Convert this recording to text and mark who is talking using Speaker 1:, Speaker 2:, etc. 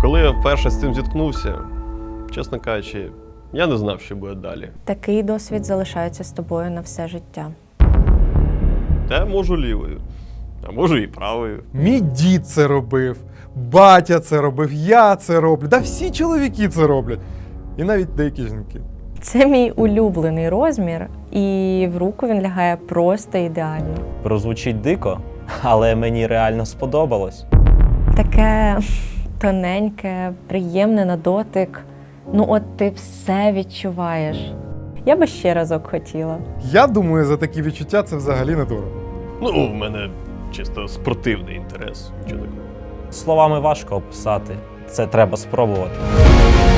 Speaker 1: Коли я вперше з цим зіткнувся, чесно кажучи, я не знав, що буде далі.
Speaker 2: Такий досвід залишається з тобою на все життя.
Speaker 1: Та я можу лівою, а можу і правою.
Speaker 3: Мій дід це робив, батя це робив, я це роблю. Да всі чоловіки це роблять. І навіть деякі жінки.
Speaker 2: Це мій улюблений розмір, і в руку він лягає просто ідеально.
Speaker 4: Прозвучить дико, але мені реально сподобалось.
Speaker 2: Таке тоненьке, приємне на дотик. Ну от ти все відчуваєш. Я би ще разок хотіла.
Speaker 3: Я думаю, за такі відчуття це взагалі не дорого.
Speaker 1: Ну, в мене чисто спортивний інтерес. Нічого такого.
Speaker 4: Словами важко описати. Це треба спробувати.